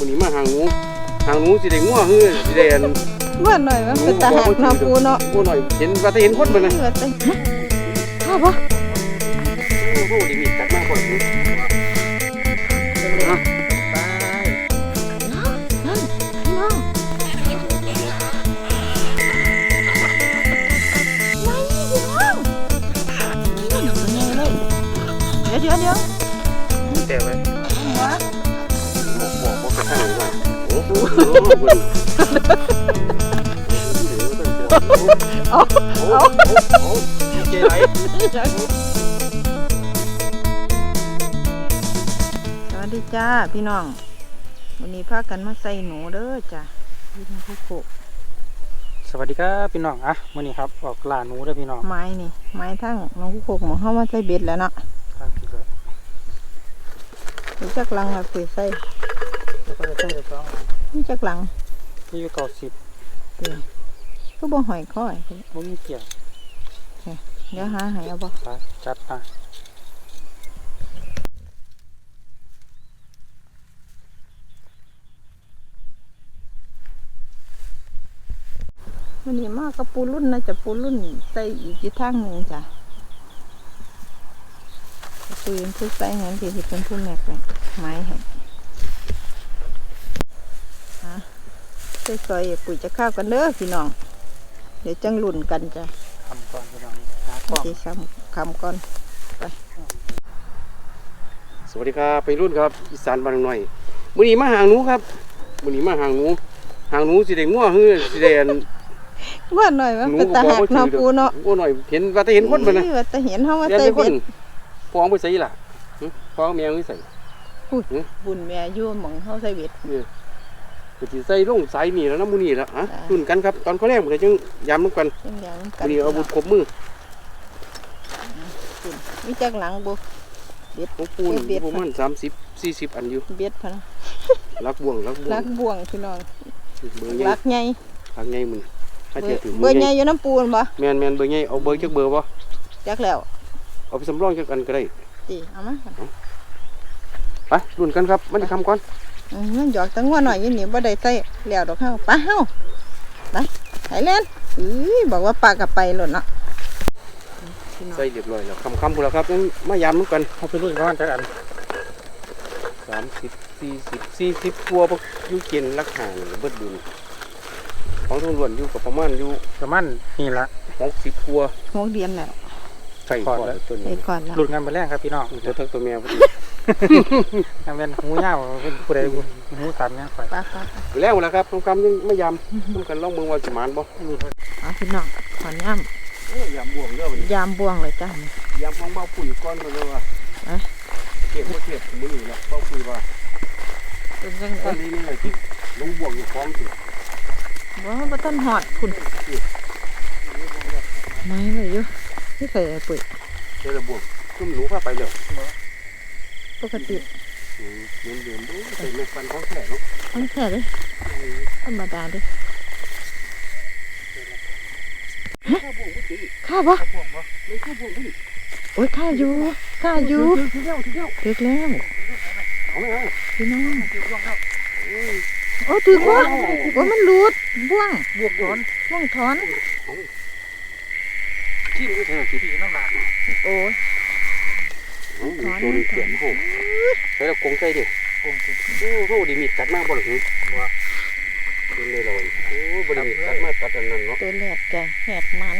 วันนี้มาหางหนูสิได้งัวฮือสิได้ว่าหน่อยมันเป็นตาหักเนาะปูเนาะปูหน่อยเห็นว่าจะเห็นคนมันนะข้าวปะโอ้โหดีมีกัดมากกว่านี้เดี๋ยวแต่ไว้บอกกระทั่งเลยว่าโอ้โหเจ๊ไรสวัสดีจ้าพี่น้องวันนี้พากันมาใส่หนูเด้อจ้าพี่น้องผู้โคสวัสดีครับพี่น้องอ่ะวันนี้ครับออกล่าหนูเด้อพี่น้องไม้นี่ไม้ทั้งน้องผู้โคหมอเข้ามาใส่เบ็ดแล้วเนาะนี่จักลังครับคุยใส่แล้วก็จะใส่ตัวนี่จักลังที่อยู่90 ก็บ่หอยข้อยบ่มีเกี่ยวเดี๋ยวหาหายเอาบ่จัดมาวันนี้มากกับปูรุ่นนะจะปูรุ่นใส่อีกที่ทางหนึ่งจ้ะปูยังพูดใส่เงินที่เป็นผู้แม็กเลยไม้ให้ใส่ซอยปุ๋ยจะข้าวกันเด้อพี่น้องเดี๋ยวจังลุ่นกันจ้ะทำก่อนพี่น้องหาก่อนที่คำก่อนไปสวัสดีครับไปรุ่นครับอีสานบ้านหน่อยวันนี้มาหางหนูครับวันนี้มาหางหนูสิได้งัวฮือสิได้ว่าหน่อยมันเป็นตาหักเนาะปูเนาะงัวหน่อยเห็นว่าจะเห็นคนมันนะว่าจะเห็นเขาว่าใส่เบ็ดฟ้องไปใส่ล่ะฟ้องแมวไม่ใส่บุญแม่ยุ่มของเขาใส่เบ็ดก็จะใส่ลงสายนี่แล้วน้ำมูนี่แล้วฮะรุ่นกันครับตอนเขาแรกมันจะจังยำน้ำกันวันนี้เอาบุญครบมือมีจักหลังบุเบ็ดของปูนประมาณ30-40 อันอยู่เบ็ดพะนะลักบ่วงพี่น้องลักใหญ่มึงเบอร์ใหญ่อยู่น้ำปูนบ่แมนเบอร์ใหญ่เอาเบอร์จักเบอร์บ่จักแล้วเอาไปสำรองจักอันก็ได้จีเอามาไปรุ่นกันครับมันจะทำก่อนมันหยอกตั้งว่าหน่อยยี่นี่บ่ได้ใส่แล้วดอกเฮาไปเฮาไปไหเล่นบอกว่าปลากับไปหล่นเนาะใส่เรียบร้อยแล้วคำพูดแล้วครับงั้นมายำน้ำกันเอาไปรุ่นก่อนจักอัน 30-40ตัวพวกยูเกนรักห่างเบิดบุญของทุนล้วนอยู่กับประมาณนี่ละ 60ตัว 6 เดือนแล้วใส่ก่อนแล้วตัวนี้รุ่นงานไปแรกครับพี่น้องตัวทั้งตัวแม่พอดีทำเป็นหูยาวเป็นผู้ใดหูสันเนี่ยข่อยไปแล้วแล้วครับคำยังไม่ยำต้องกันล่องเมืองว่าจะมานบ่พี่น้องขอนย่ำยำบ่วงเด้อยำบ่วงเลยจ้ายำของเบาปุ๋ยก้อนมาเลยว่าเก็บมือแล้วเบาปุ๋ยว่าเป็นยังไงนี่เลยที่ลงบ่วงอยู่คล้องสิว่าต้นหอดคุณไม่เลยอยู่ที่ใส่ปุ๋ยเจอบ่วงขึ้นหนูพาไปเลยปกติเดิมดูใส่ลูกฟันของแข็งของแข็งเลยธรรมดาเลยข้าบ่โอ้ยข้าอยู่เด็กแล้วพี่น้องโอ้ถือว่ามันหลุดบ่วงถอนที่นี่ที่น้ำลายโอ้ถอนเขียนโหใช้แล้วกงใจดิโอ้ดีมีกัดมากบ่หรือว่าเป็นเลยเลยโอ้บริมีกัดมากกัดอันนั้นเนาะตัวแหลกแกแหกมัน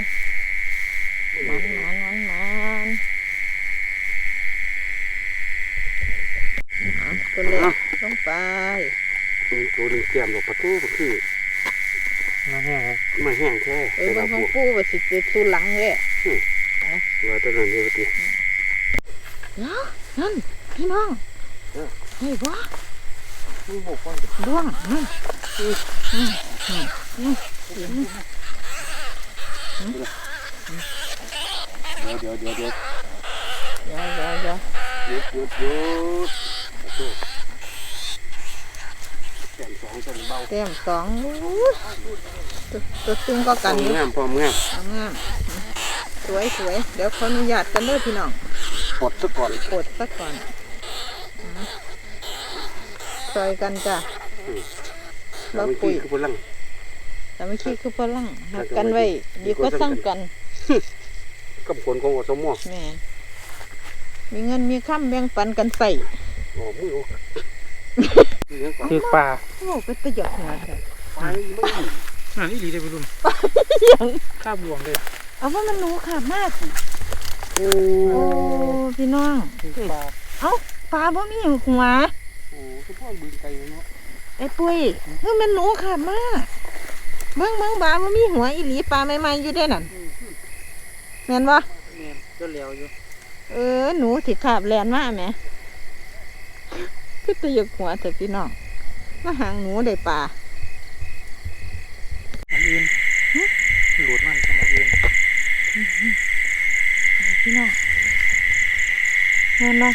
ตัวเล็กลงไปตัวนึงเตรียมหลบประตูก็คือมาแห้งแค่บางของปูไปสิเจอตัวหลังเลยว่าตัวนั้นเยอะทีนั่นพี่น้องเฮ้ยบ่วงนั่นเดี๋ยวเต็ม2ตัวตึงก็กันงามพร้อมงามสวยเดี๋ยวขออนุญาตกันเด้อพี่น้องปลดซะก่อนซอยกันจ้ะเราปุ๋ยคือพลังแต่ไม่คิดคือพลังหักกันไว้ดีกว่าสร้างกันกับคนของอสมแม่มีเงินมีค่ำแบ่งปันกันใส่อ๋อมึงรู้คือปลาโอ้เป็นตะหยอกหัวแท้ไปไม่ดีอ่าอีหลีได้ไปรุ่นยังข้าบวงเลยเอาว่ามันหนูขาดมากโอ้โอ้พี่น้องคือปลาเอ้าปลาบ่มีหัวโหคือพ่อบึงไกลเนาะไอ้ปุ้ยเฮ้ยมันหนูขาดมากเบิ่งบาบ่มีหัวอีหลีปลาใหม่ๆอยู่ได้นั่นแม่นบ่เนี่ยก็เหลียวอยู่หนูสิขาบแลนมาแหมคือตะหยอกหัวแต่พี่น้องมาหางหนูได้ปลาอันอื่นหลุดมันสมองอื่นพี่น้องเงินเนาะ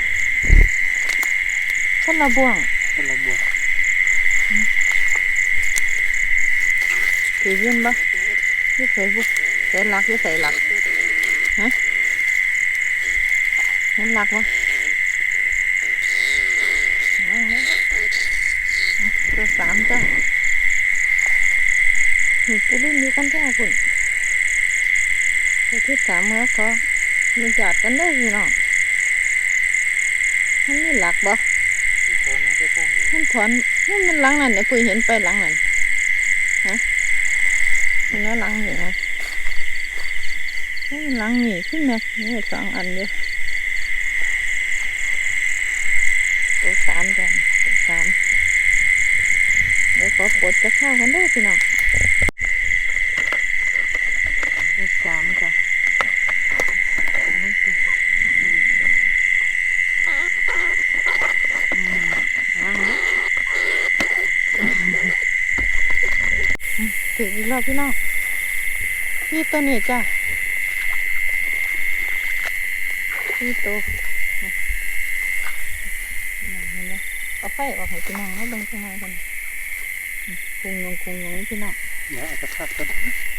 คนละบ่วงเป็นระบวกถือยืนบ่ยี่ใส่บุใส่หลักยี่ใส่หลักฮะเห็นหลักบ่นั่งเลยตัวสามจ้ะนี่กูรุ่นนี้กันแท้คุณตัวที่สามเมื่อขอมีจัดกันได้พี่น้องมันมีหลักบ่ถอนมาได้ข้างเลยมันถอนมันหลังนั่นเนี่ยปุ้ยเห็นไปหลังนั่นฮะเห็นว่าหลังนี่ฮะหลังนี่ขึ้นแม็กนี่สองอันเดียวตัวสามจ้ะตัวสามเดี๋ยวขอปวดจะเข้ากันได้พี่น้องตัวสามจ้ะถึงอีกแล้วพี่น้องพี่ตัวนี้จ้ะพี่ตัวเห็นไหมเอาไฟออกให้พี่น้องให้เบิ่งข้างในกันคุงยงพี่น้องเดี๋ยวอาจจะพลาดกัน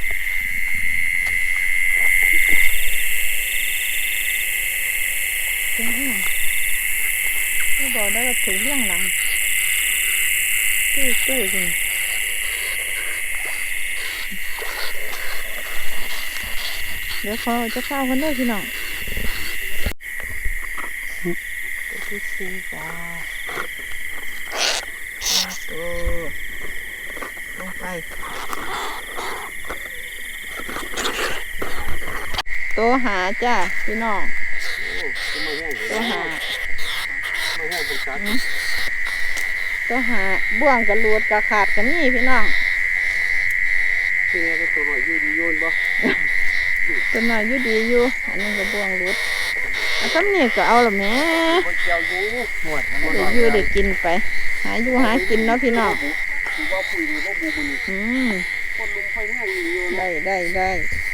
ถึงที่ไม่บอกได้ว่าถึงเรื่องหลังตู้จริงเดี๋ยวเขาจะเข้ากันได้พี่น้องตัวที่สี่จ้าตัวลงไปตัวหาจ้าพี่น้องตัวหาไม่ให้เป็นสัตว์ตัวหาบ่วงกระลูดกระขาดกันนี่พี่น้องที่นี่ก็ตัวหน่อยยืดโยนบ่ตัวน้อยอยู่ดีอยู่อันนี้ก็บ่วงหลุดอันนี้ก็เอาละแม่คนเจียวอยู่หวดเดี๋ยวอยู่ได้กินไปหาอยู่หากินเนาะพี่น้องคือว่าปุ๋ยนี่ว่าบูบุญ คนลงไฟแห้งอยู่ได้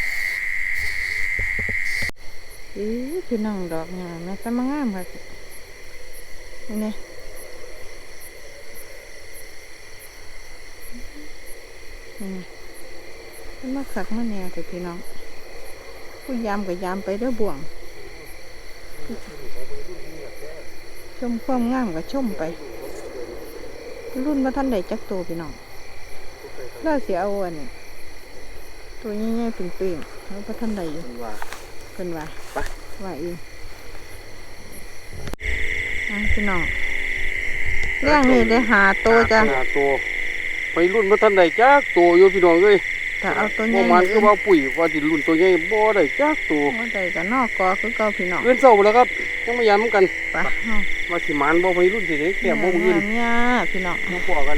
พี่น้องดอกงามแม่สมงามค่ะนี่มันมาขักมาแนวแต่พี่น้องผู้ยามกับยามไปเด้อบ่วงชมความงามกับชมไปรุ่นมาท่านใดจักโตพี่น้องแล้วเสียเอาอันนี้ตัวใหญ่ๆปิ่งๆแล้วพระท่านใดอยู่ว่าเพิ่นว่าไปว่าเองพี่น้องเรื่องนี้ได้หาโตจ้ะหาตัวไปรุ่นมาทันใดจักตัวอยู่พี่น้องเอ้ยถ้าเอาตัวใหบ่ญ่มันคือว่าปุ๋ยว่าสิรุ่นตัวใหญ่บ่ได้จักตัวว่าใดก็นอกกอคือเก่าพี่น้องเอื้อนเศร้าแล้วครับยังไม่ยามกันไปว่าสิหมานบ่ไปรุ่นสิได้แค่บ่มื้ออื่นเนี่ยพี่น้องมาพอกัน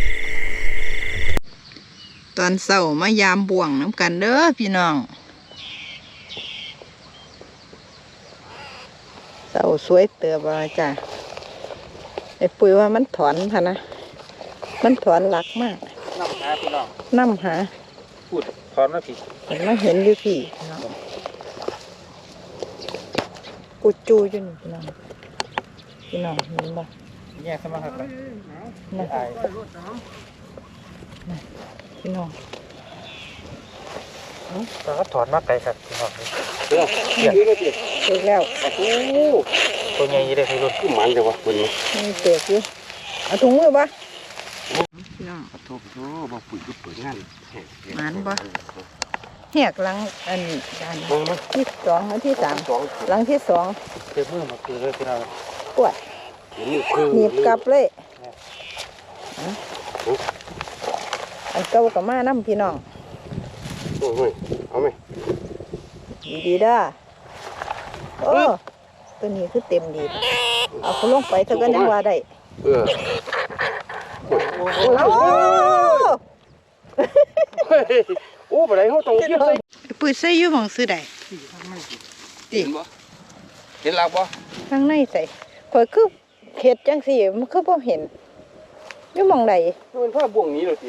ตอนเช้ามายามบ่วงน้ำกันเด้อพี่น้องเช้าสวยเติบว่าจ้ะไอ้ปุ๋ยว่ามันถอนพะนะมันถอนหลักมากน้ำหาพี่น้องน้ำหาพูดถอนมาผิดเห็นมาเห็นอยู่พี่เนาะกูจูอยู่นี่พี่น้องเห็นบ่แยกสมาหักเลยนะอายพี่น้องแต่ก็ถอนมาไกลครับพี่น้องเด้อเดี๋ยวนี้สิเปิดแล้วโอ้โหตัวใหญ่ยี่ได้พี่รุ่นคือหมันจังวะมื้อนี้มีเปิดอยู่เอาถุงมือปะพี่น้องโทษบ่ปุ๋ยก็เปิดงานหมานบ่ แหกหลังอันนี้ด้านที่สองอันที่สามหลังที่สองเจ็บมือมาคือเลยพี่น้องปวดหนีบกลับเลยอันเก่ากับมาน้ำพี่น้องโอ้ยเอาไหมดีๆด้าโอ้ตัวนี้คือเต็มดีเอาเขาลงไปเท่ากันยังว่าได้โอ้ปะไรเขาตรงเทียบเลยปืนใส่อยู่หม่องซื้อได้เห็นบ่เห็นหลักบ่ข้างในใส่ข่อยคือเข็ดจังสิมันคือบ่เห็นอยู่หม่องใดมันผ้าบ่วงนี้เลยสิ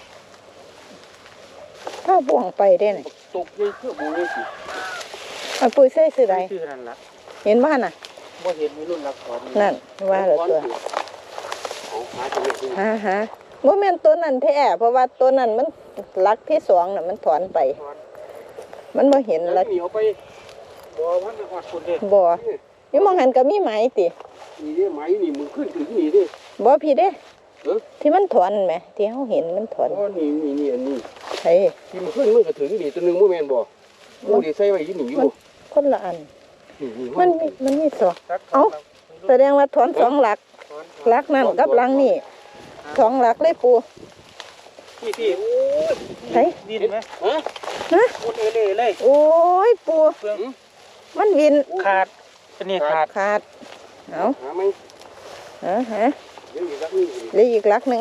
ถ้าบ่วงไปได้น่ะตกเลยเพื่อบ่วงเลยสิเอาปืนใส่ซื้อได้ชื่อนั่นละเห็นบ่น่ะบ่เห็นมีรุ่นรักถอนนั่นว่าแล้วตัวเอาหาจะไม่ถึงฮะบ่แม่นตัวนั้นแท้เพราะว่าตัวนั้นมันหลักที่สองน่ะมันถอนไป มันบ่เห็นแล้แล้ว วหนีเอาไปบ่มันเป็นหอดคนเด็กบ่อยู่หม่องหันก็มีไหมตินี่เด้ไหมนี่มึงขึ้นถึงนี่เด้บ่พี่เด้เออที่มันถอนแหมที่เฮาเห็นมันถอนอ๋อนี่อันนี้เฮ้ยที่มันขึ้นมันก็ถึงนี่ตัวนึงบ่แม่นบ่กูได้ใส่ไว้อยู่นี่อยู่คนละอันนี่มันมีสองเอ้าแสดงว่าถอนสองหลักหลักนั่นกับหลังนี่สองหลักเลยปูพี่โอ้ยเฮ้ยดินไหมฮะฮะคนเล่เลยโอ้ยปูเปลืองมันวินขาดอันนี้ขาดขาดเอาหาไหมฮะเดี๋ยวอีกสักนี่เหลืออีกหลักหนึ่ง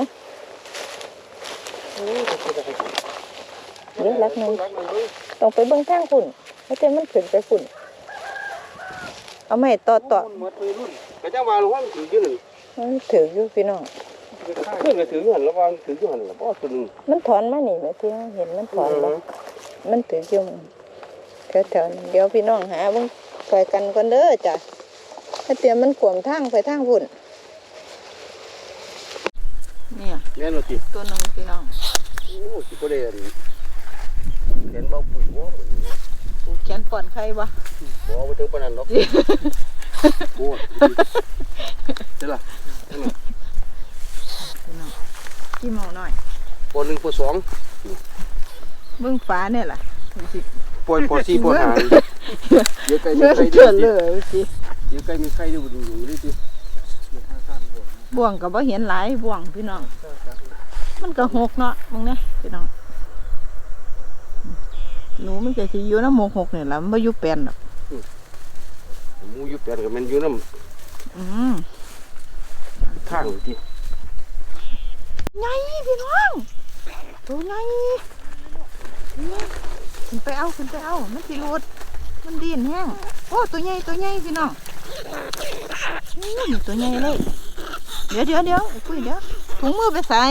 เหลือหลักหนึ่งต้องไปเบิ่งทางฝุ่นแล้วแต่มันขึ้นไปฝุ่นเอาไม่ต่อหมดเลยรุ่นกระจ้าว่าหลวงพ่อมันถืออยู่นั่นมันถืออยู่พี่น้องขึ้นก็ถืออยู่หั่นแล้วว่าถืออยู่หั่นแล้วบ่ตัวนึงมันถอนมานี่แม่ที่เห็นมันถอนบ่มันถืออยู่แถวๆนั้นเดี๋ยวพี่น้องหาเบิ่งคอยกันก่อนเด้อจ้ะถ้าเตรียมมันขวมทางไปทางฝุ่นเนี่ยแม่นบ่ติตัวหนึงพี่น้องโอ้สิบ่ได้อันเห็นเบาปุ๋ยบ่มื้อนี้ปูแขนป่อนใครบ่บ่ถึงปานนั้นดอกโอ้เด้ล่ะพี่น้องกี่โมงหน่อยป1ป2 เบิ่งฟ้าเนี่ยล่ะสิป4ป5เดี๋ยวไก่มีเลื่อนไข่เลื่อนเลยสิเดี๋ยวไก่มีไข่อยู่นี่นี่ติบ่วงก็บ่เห็นหลายบ่วงพี่น้องมันก็หกเนาะมึงเนี่ยพี่น้องหนูมันจะสิอยู่น้ำหมกหกนี่ล่ะมันบ่อยู่แปลนดอกหมูอยู่แปลนก็แม่นอยู่นำอืมทางติใหญ่พี่น้องตัวใหญ่ขึ้นไปเอามันสิหลุดมันดิ้นแห้งโอ้ตัวใหญ่พี่น้องนี่ตัวใหญ่เลยเดี๋ยวคุยเดี๋ยวถุงมือไปใส่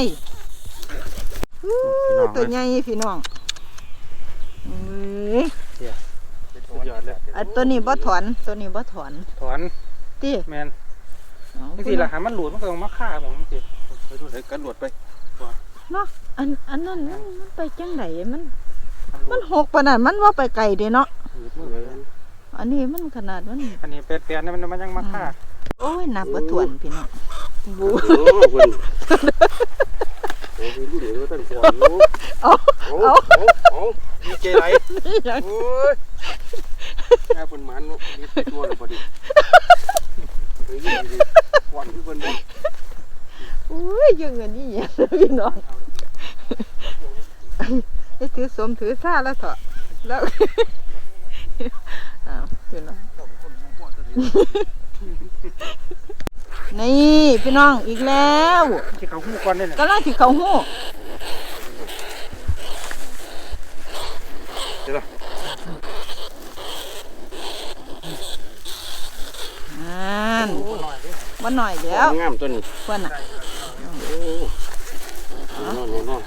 ตัวใหญ่พี่น้องเอ้ยสุดยอดเลยอันตัวนี้บ่ถอนถอนติแมนนี่สิละหามันหลุดมันก็ต้องมาฆ่าผมสิไปดูให้กันหลวดไปเนาะอันนั้นมันไปจังไดมันหกปานนั้นมันว่าไปไกลเด้เนาะอันนี้มันขนาดมันอันนี้เป็ดๆนี่มันยังมาฆ่าโอ้ยนับบ่ถ้วนพี่น้องบูโอ้เพิ่นโอ้ยรู้เดี๋ยวท่านก่อนอยู่ เอาดีใจไรโอ้ยแม่เพิ่นหมันเนาะมีตัวแล้วบ่ดิเฮ้ยดีก่อนที่เพิ่นบ่โอ้ยยังอันนี้อย่างพี่น้องให้ถือสมถือซ่าแล้วเถอะแล้วอ้าวพี่น้องนี่พี่น้องอีกแล้วที่เขาหูก่อนเนี่ยกำลังที่เขาหู้เดี๋ยวล่ะมันหน่อยแล้วงามตัวนี้เพิ่นน่ะโอ้นอน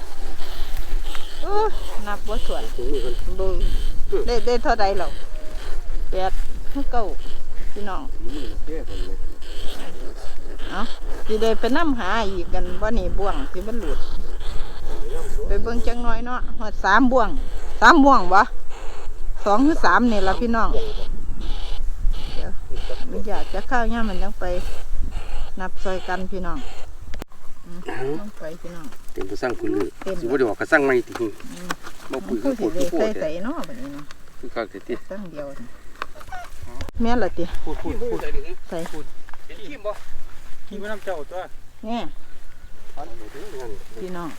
นับบ่ถ้วนถึงนี่เพิ่นเบิ่งได้เท่าใดแล้ว8 9พี่น้องนี่แก่เพิ่นเลยเอาสิได้ไปนำหาอีกกันบ่นี่บ่วงที่มันหลุดไปเบิ่งจังน้อยเนาะฮอด3บ่วงบ่2หรือ3นี่ล่ะพี่น้องเดี๋ยวมันอยากจะข้าวยามมันจังไปนับซอยกันพี่น้องลงไปพี่น้องเต็มกระสังคุณเลยสิว่าเดี๋ยวกระสังไม่ติงมาปุ๋ยผู้ก็สิปวดได้ปวใส่ดใส่เนาะแบบนี้เนาะคือการติดตั้งเดียวแม่นละติพูดใส่เห็นขี้บ่ขี้ไม่น้ำเจ้าตัวแน่พี่น้อง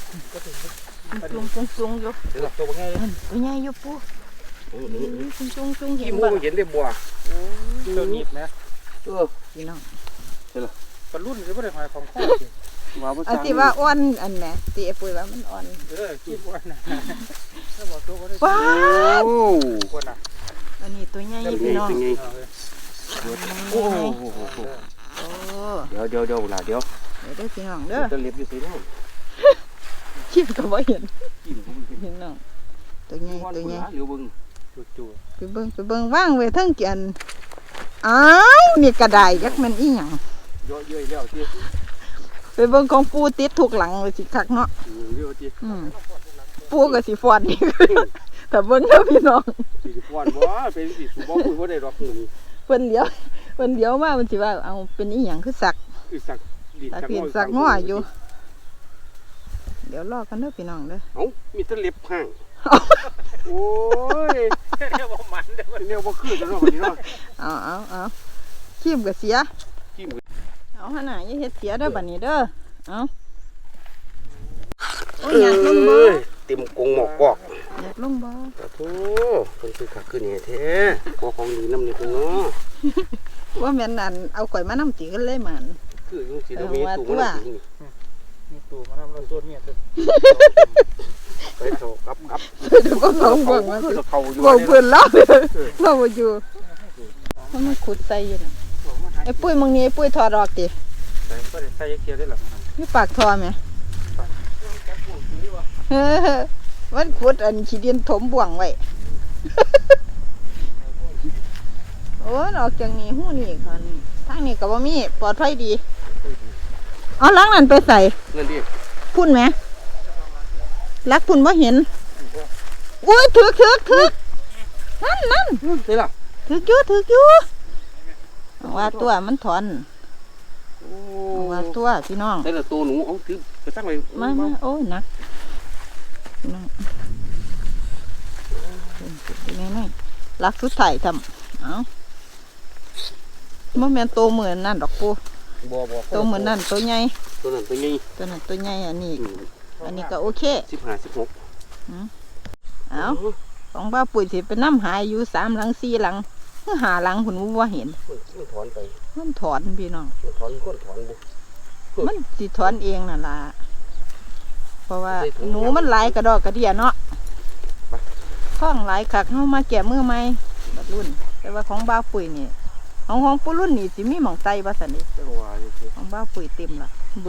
จุงอยู่เดี๋ยวตัวง่ายเลยตัวใหญ่อยู่ปูจุงเห็ขี้นมูบ่เห็นได้บัวเจ้าหนีบนะพี่น้องปลารุ่นหรือว่าได้หอยของข้อสิอันที่ว่าอ่อนอันแหม่ตีปุ๋ยว่ามันอ่อนคิดว่านะถ้าบอกตัวก็ได้ว้าโอ้คนน่ะอันนี้ตัวใหญ่พี่น้องโอ้โอ้เดี๋ยวล่ะเดี๋ยวเด้อพี่น้องเด้อจะเล็บอยู่สิเนาะชิมก็บ่เห็นกินผมกินพี่น้องตัวใหญ่เดี๋ยวบึงจู่ไปเบิ่งว่างไว้ทั้งกันอ้าวนี่กระไดยักมันอีหยังเยอะๆแล้วที่ไปเบิ่งของปูติดทุกหลังเลยสิคักเนาะเยอะที่ปูก็สิฟอนนี่ แต่เบิ่งเด้อพี่น้องสิฟ้อนบ่เป็นสิสูบ่คุยบ่ได้ดอกนี่เพิ่นเลี้ยวมามันสิว่าเอาเป็นอีหยังคือสักคือสักดินสักเพียนสักง้ออยู่ เดี๋ยวรอกันเด้อพี่น้องเด้อเอ้ามีแต่เล็บห่างโอ้ยๆเรียกว่ามันเด้อเนี่ยบ่คือจังเนาะบัดนี้เนาะเอาขีมก็เสียขี้มือเอาหั่นน่ะอย่าเฮ็ดเสียเด้อบัดนี้เด้อเอาโอ้ยอยากลงบ่เต็มกงหมอกกอกอยากลงบ่โอ้เพิ่นคือคักคือนี่แท้ขอของดีนำนี่เพิ่นเนาะว่าแม่นนั่นเอาข่อยมานำตีกันเลยมันคือจังสิเรามีตู้มันนี่มีตู่มาทำเราส่วนเนี่ยเถอะไปเถากับเดี๋ยวก็ลงเบิ่งว่าคือเขาอยู่บ่เพิ่นแล้วเราบ่อยู่มันขุดใส่อยู่น่ะไอ้ปุ้ยมึงนี่ไอ้ปุ้ยถอดออกติใส่ก็ได้ใส่เกียร์ได้หรอมีปากทอไหมเออมันขุดอันขี้ดินถมบ่วงไว้ โอ้ยออกจากนี้หู้นี่ค่ะนี่ทางนี้ก็บ่มีปลอดภัยดีเอาลักนั่นไปใส่นั่นดิพุ่นไหมลักพุ่นบ่เห็นโอ้ยถึกนั่นใช่ล่ะถึกอยู่ว่าตัวมันถอนว่าตัวพี่น้องได้ละตัวหนูเอาถือกระซังไปมาโอ้ยหนักพี่น้องนี่ลักสุดท้ายทำเอาบ่แม่นโตเหมือนนั่นดอกปูบ่โตเหมือนนั่นตัวใหญ่ตัวนั้นตัวนี้ตัวนั้นตัวใหญ่อันนี้ก็โอเค 15 16 เอาของบ้าปุ๋ยสิเป็นน้ำหายอยู่3 หลัง 4 หลังหาหลังคุณว่าเห็นมันถอนไปมันถอนพี่น้องมันถอนก้นถอนบ่มันสิถอนเองนั่นล่ะเพราะว่าหนูมันหลายกระดอกกระเดียเนาะข้องหลายคักเฮามาแก้มือใหม่บัดรุ่น แต่ว่าของบ้าปุ๋ยนี่ของปู่รุ่นนี่สิมีหม่องไตบ่ซั่นนี่จังว่าอยู่สิของบ้าปุ๋ยเต็มล่ะบู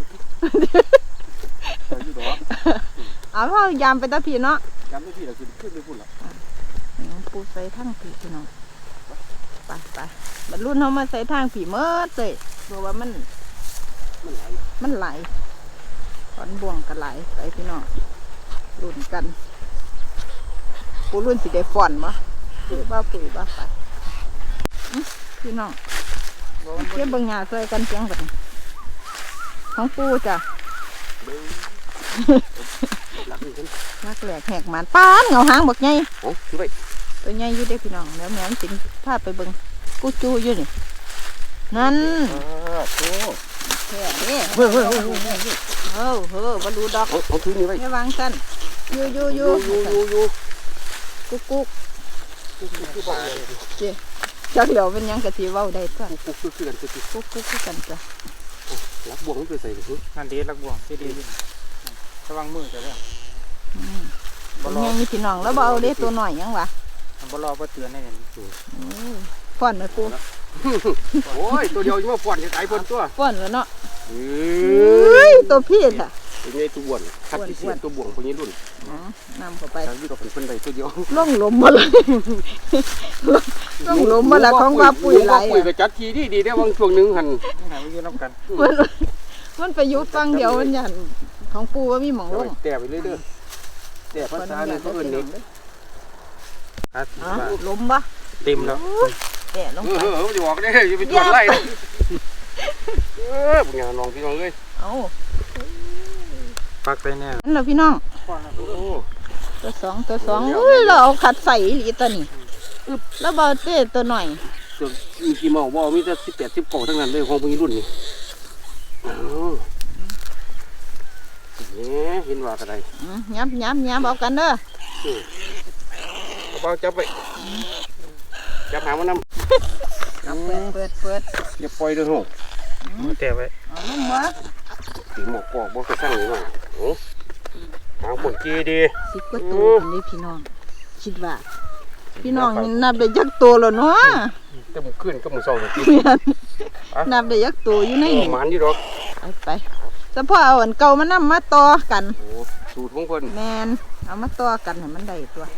อยู่ดอกเอาเฮายามไปตะพี่เนาะจำได้พี่ล่ะสิขึ้นไปพุ่นล่ะปูใส่ทางผีพี่น้องไปบรรลุนเขามาใส่ทางผีเมื่อเลยเพราะว่ามันไหลถอนบ่วงกันไหลไปพี่น้องรุ่นกันปูรุ่นสิได้ฟ่อนบ่คือบ้าปุ๋ยบ้าไปพี่น้องเก็บเบิ่งหญ้าใส่กันเพียงแบบของปูจ้ะหลักนี่กันนักแหลกแหกหมันป้านเงาหางบักใหญ่โอ้คือไปตัวใหญ่อยู่เด้พี่น้องแล้วแม่มันสิพาไปเบิ่งกูจูอยู่นี่นั่นโอ้แค่นี้เฮ้ยบรรลุดอกเอาถือนี่ไว้ไม่วางสั้นอยู่กุ๊กเจ๊จักเหลียวเป็นยังกะทิเว้าได้ตัวกุ๊กคือกันคือกุ๊กกันจ้ะลักบ่วงมันไปใส่เลยนั่นดีรักบ่วงที่ดีระวังมือจะได้ยังมีพี่น้องแล้วบ่เอาเด้ตัวหน่อยยังวะบ่รอบ่เตือนให้เห็นฟ้อนไหมปูโอ้ยตัวเดียวจะมาฟ้อนจะตายเพิ่นตัวฟ้อนแล้วเนาะเอ้ยตัวพี่ค่ะเป็นไงตัวบ่วนคัดพิเศษตัวบ่วงพวกนี้รุ่นนำเข้าไปทางที่เราเป็นเพิ่นได้ตัวเดียวล่องลมมาเลยล่องลมมาละของว่าปุ๋ยไหลปุ๋ยก็จัดทีดีได้บางช่วงนึงหั่นนี่หาวิธีน้ำกันมันไปยุบฟังเดียวมันยันของปูว่ามีหมองลงแต่ไปเรื่อยเด้อแต่ภาษาเนี่ยเขาเอิ้นเน็กลมปะเต็มแล้วแต่ลงไปจะบอกได้อย่าไปตรวจไล่บุญญาน้องพี่น้องเลยเอาเอาปักไปแน่นั่นเหรอพี่น้องโอ้ตัวสองอุ้ยเราเอาขัดใส่อีหลีตัวนี้แล้วเบาเต้ตัวหน่อยตัวมีกี่เมาบ่มีแต่18 19ทั้งนั้นเลยของพวกนี้รุ่นนี้เนี่ยเห็นว่ากันไดยับเอากันเด้อเบาจับไปจับหามันนำเปิดอย่าปล่อยเด้อโหมือแตะไว้เอาลงมาตีหมอกปอกบ่กระสั่งนี่มาโอ้หางผลกีดี 10 กว่าตัวคนนี้พี่น้องคิดว่าพี่น้องนับได้ยักตัวแล้วเนาะแต่มึงขึ้นก็มึงส่องกินนับได้ยักตัวอยู่ในนี่หมันอยู่ดอกไปแต่พอเอาอันเก่ามานำมาต่อกันโอ้สูตรของเพิ่นแมนเอามาต่อกันให้มันได้ตัว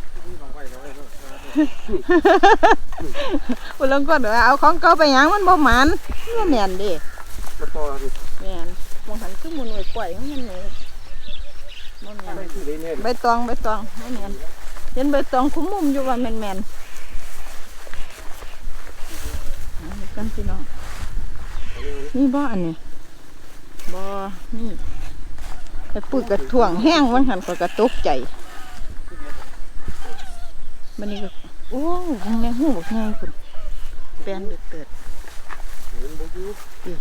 อุลังก็เดี๋ยวเอาของเก่าไปหยังมันบ่หมันบ่แม่นเด้มาต่อกันแม่นมองหันคือมันไว้ปล่อยมันนี่บ่แม่นได้ที่ได้เนี่ยใบตองบ่แม่นเห็นใบตองคุ้มมุมอยู่ว่าแม่นกันพี่น้องนี่บ่อันนี้บ่นี่ไอ้ปุ้ยกระถ่วงแห้งวันหันก็กระตกใจมันนี่ก็โอ้ยแมงหูบอกไงคุณแปลนเดือดเห็นบ่อยู่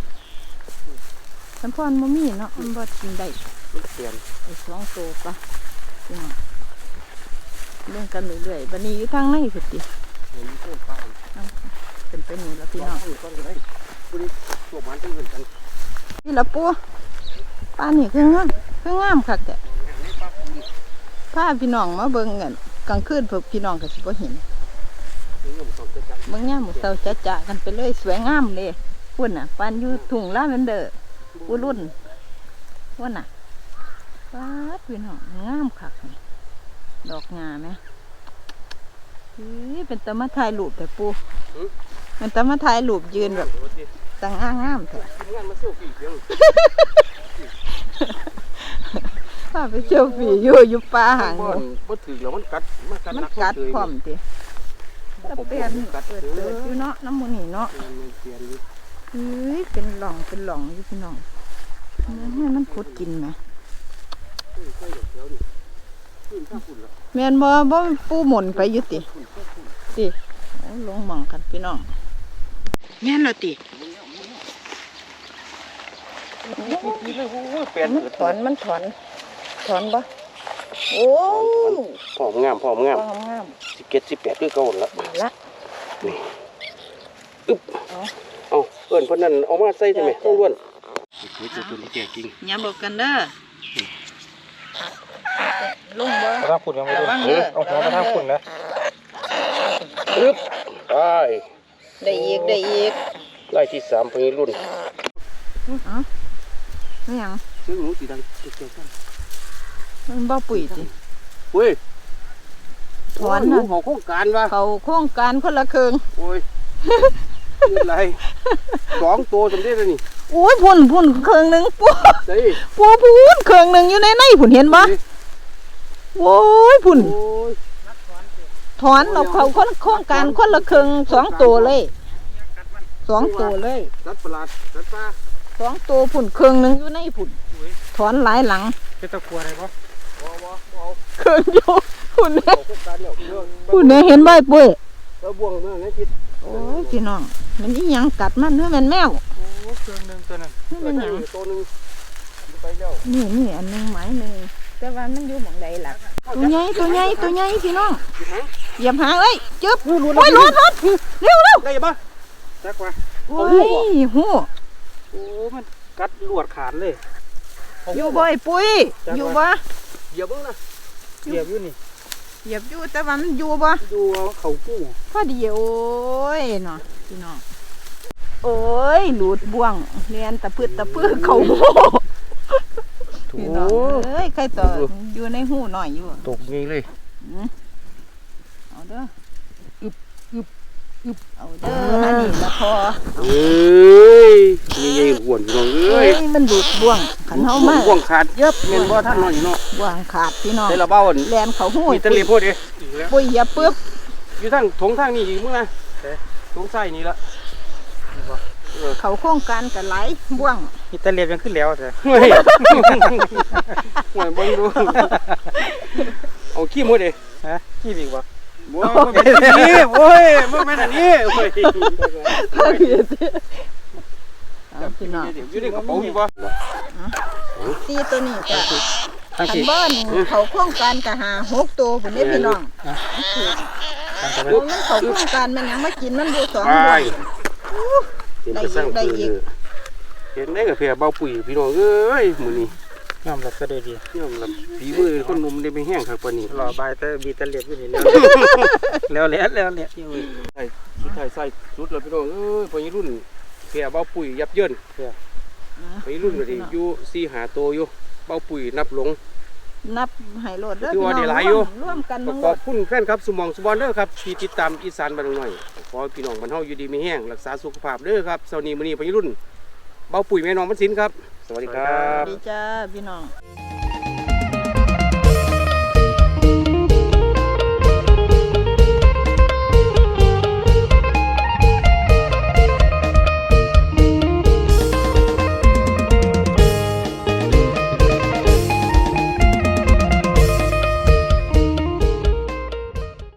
สัมพรบ่มีเนาะมันบ่กินได้มันเปลี่ยนไอ้2 ตัวปะพี่น้องเรื่องกันเรื่อยๆบัดนี้อยู่ทางไหนสุดติเห็นโคตรฟ้าเป็นไปนี่แล้วพี่น้องต้นก็ได้ผู้นี้ตัวมันที่เหมือนกันนี่ละปูป้านี่คืองามคักแต่พาพี่น้องมาเบิ่งกันกลางคืนพวกพี่น้องก็สิบ่เห็นนี่ผมส่องจะจับเบิ่งยามมื้อเช้าจ๊ะๆกันไปเลยสวยงามเลยพุ่นน่ะปานอยู่ทุ่งลาเวนเดอร์ผู้รุ่นว่าน่ะป๊าดพี่น้องงามคักนี่ดอกงาแม่เป็นตะมาถ่ายรูปแต่ปูเป็นตะมาถ่ายรูปยืนแบบต่างงามแท้ทีมงานมาเซลฟี่เพียงพาไปเที่ยวฟรีอยู่ป่าหางบ่ถือแล้วมันกัดมันกัดพร้อมติตะเปลี่ยนเปิดอยู่เนาะน้ำมูนี่เนาะเปลี่ยนอยู่เป็นหล่องอยู่พี่น้องให้มันขุดกินไหมใส่ดอกเขียวนี่ขึ้นข้างฝุ่นละแม่นบ่ปูหมุนไปอยู่ติลงหม่องกันพี่น้องแม่นแล้วติมันถอนบ่โอ้พร้อมงามงาม 17 18คือเก่าละละนี่อึ๊บเอาเอิ้นเพิ่นนั่นเอามาใส่ใช่ไหมต้องล้วนตัวนี้แก่จริงอย่าบอกกันเด้อลงบ่กระทางฝุ่นยังไม่ดูระวังเด้อเอาหัวกระทางฝุ่นนะอึ๊บไปได้อีกไล่ที่3เพิ่นรุ่นอ๋อไม่หยังซื้อหนูสีดังเกี่ยวกันมันบ่ปุ๋ยติเว้ยถอนหนูน่ะเขาโครงการวะเขาโครงการคนละครึ่งโอ้ยนี่อะไร2 ตัวสำเร็จแล้วนี่โอ้ยพุ่นครึ่งหนึงปูใส่พุ่นครึ่งหนึงอยู่ในพุ่นเห็นบ่โอ้ยพุ่นโอ้ยถอนเราเขาโครงการคนละครึ่ง2 ตัวเลย2 ตัวเลยสัตว์ประหลาดสัตว์ป่า 2 ตัวพุ่นครึ่งหนึงอยู่ในพุ่นถอนหลายหลังเป็นตะกัวอะไรปะบ่เอาครึ่งอยู่พุ่นเขาโครงการแล้วเรื่องพุ่นเนี่ยเห็นบ่ปุ้ยแล้วบ่วงเมื่อไงคิดโอ้ยพี่น้องมันอีหยังกัดมันเฮ้ยมันแมวโอ้เครื่องหนึงตัวนั้นเฮ้ยมันหยังตัวนึงไปแล้วนี่อันหนึงหมายหนึงแต่ว่ามันอยู่หม่องใดล่ะตัวใหญ่พี่น้องเหยียบหางเลยจึ๊บโอ้ยรถเร็วได้ปะจักว่าโอ้ยหูโอ้มันกัดลวดขาดเลยอยู่บ่ไอ้ปุ้ยอยู่บ่เหยียบเบิ่งนะเหยียบอยู่นี่เหยียบอยู่แต่ว่ามันอยู่บ่ดูเขากู้พอดีโอ้ยเนาะพี่น้องโอ้ยหลุดบ่วงเรียนตะพืดเขาโม่พี่น้องเอ้ยใครต่ออยู่ในหูหน่อยอยู่ตกงี้เลยเอาเด้ออึบเอาเด้ออันนี้ละพอเอ้ยนี่ยังหวนอยู่น้องเอ้ยมันดูดบ่วงขันเฮามาบ่วงขาดเย็บแม่นบ่ท่านน้อยเนาะบ่วงขาดพี่น้องได้ละเบ้าอันแลนเขาหูมีตะลีพูดดิปุ้ยอย่าเปื้อบอยู่ทางทงทางนี้อีกมึงนะทงใส่นี่ละเขาโครงการกันหลายบ่วงโนี่ตะเลียบยังขึ้นแล้วแต่เฮ้ยห่วยเบิ่งดูเอาขี้หมดดิฮะขี้บีกบ่บ่เป็นนี่โอ้ยบ่แม่นอันนี้โอ้ยข้าวเขียดเอาพี่น้องอยู่ในกระเป๋าอยู่บ่ตีตัวนี้จ้ะทั้งขันสี่บ้านเขาโครงการกะหา6ตัวพุ่นเด้พี่น้องทั้งสเพราะมันเขาโครงการมันยังมากินมันอยู่2 ไปเดือนเห็นไปสร้างคือเห็นได้กับเพียเบาปุ๋ยพี่น้องเอ้ยมื้อนี้ยอมรับก็ได้ดียอมรับฝีมือคนหนุ่มได้ไปแห้งครับปานนี้รอบายแต่บีตะเลียบอยู่นี่แล้วแล้วเนี่ยใส่สุดท้ายใส่สุดแล้วพี่น้องเอ้ยพอรุ่นเพียเบาปุ๋ยยับเยินพอรุ่นก็ดิอยู่4 5ตัวอยู่เบาปุ๋ยนับลงนับให้โลดเด้อถือพี่ว่าน้ได้องหลายอยู่ร่วมกันขทั้งหมอบดคุณแฟนครับสมองสุบอนเด้อครับที่ติดตามอีสานบ้านหน่อยขอให้พี่น้องบ้านเฮาอยู่ดีมีแห้งรักษาสุขภาพเด้อครับเช้านี้มื้อนี้พอรุ่นเบาปุ๋ยแม่น้องมันสินครับสวัสดีครับดีจ้าพี่น้อง